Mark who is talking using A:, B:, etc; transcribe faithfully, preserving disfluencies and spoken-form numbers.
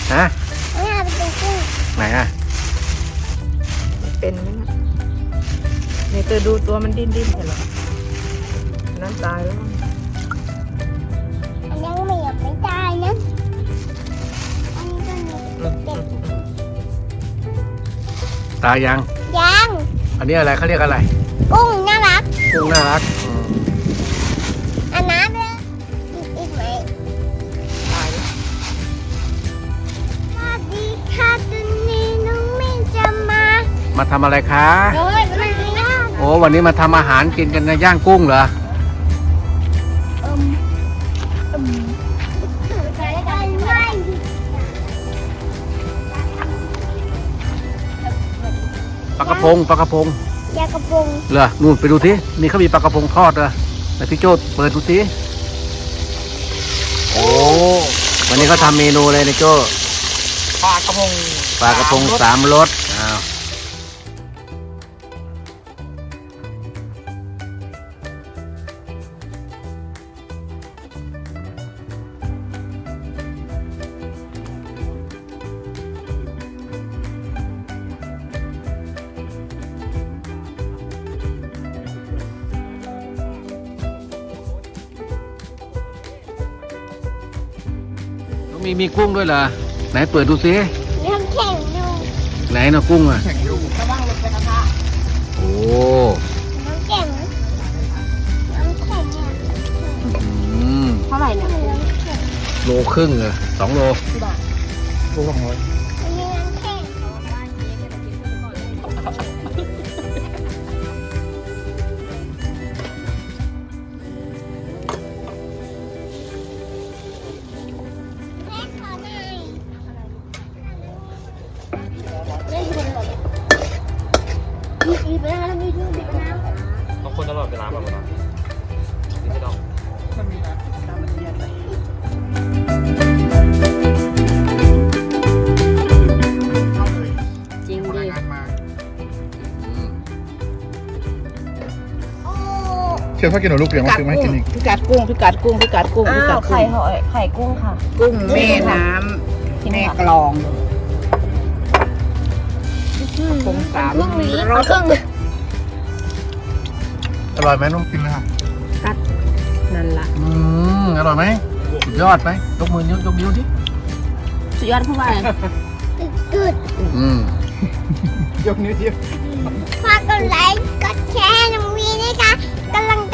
A: ฮะ
B: ไม่เอาไปเป็นกุ้ง
A: ไหนอ่ะ
C: เป็นไหมนะเนี่ยเธอดูตัวมันดิ้นดิ้นเหรอนั่นตายแล้วมั้ง
B: อันยังไม่อยากไม่ตายนะอันนี้ก็มีเด็ก
A: ตายยัง
B: ยัง
A: อันนี้อะไรเขาเรียกอะไร
B: กุ้งน่ารัก
A: กุ้งน่ารักอืม
B: อันน้ำเลยอีกอีกไหม
C: ตายแล้ว
B: สวัสดีค่ะตุนนี้น้องเมย์จะมา
A: มาทำอะไรคะ
B: โอ้ยไม่ได้
A: โอ้วันนี้มาทำอาหารกินกันนะย่างกุ้งเหรอ
B: อืมอืมใส่กันไหม
A: ปลากระพงปลากระพง
B: ยากระพง
A: เหรอนู่นไปดูสินี่เขามีปลากระพงทอดเหรอไหนพี่โจ้เปิดดูสิโอ้วันนี้เขาทำเมนูเลยนะโจ้
C: ปลากระพง
A: ปลากระพงสามรสอ้าวมีมีกุ้งด้วยเหรอไหนเปิดดูสิ
B: น้ำแข็งดู
A: ไหนนะกุ้งอ่ะ
C: ระวังลงไปกระทะ
A: โอ้
B: น้ำแข็งน้ำแข็งเนี่ย
A: อืม
C: เท่าไหร่เนี่ย
B: น้ำแข็ง
A: โลครึ่งเหรอสองโล
C: ที่บ้าน
A: โลสองร้อย
B: อันนี้น้ำแข็งแม่ขอหน่อยไม่ดูหรอกมีอีกแล้วมีดูดิบน้ำ
D: บางคนตลอดเวลาแบบนั้นนี่ไม่ต้อง
C: มันมีน้ำน้ำมันเย็นใส่ จริงดิ
A: อืม
B: โอ้
E: เชื่อพ่อกินหนูลูกเลี้ยงมาซื้อมาให้กินอีก
C: พิกัดกุ้งพิกัดกุ้งพิกัดกุ้งพิกัดกุ้ง
F: ไข่หอยไข่กุ้งค่ะ
C: กุ้งแม่น้ำแม่กลองกุ้งสาม
B: ครึ่งนี้
C: รส
B: ครึ่ง
E: อร่อยไหมนุ่มกินเลยค่ะ
C: นั่นละ
A: อืมอร่อยไหมสุดยอดไหมยกมือยกยกนิ้วดิ
F: สุดยอดผู้ว่า
B: กึด
A: อืม
C: ยกนิ้วเดียว
B: ฝากกดไลค์กดแชร์น้องวีนะคะกำลัง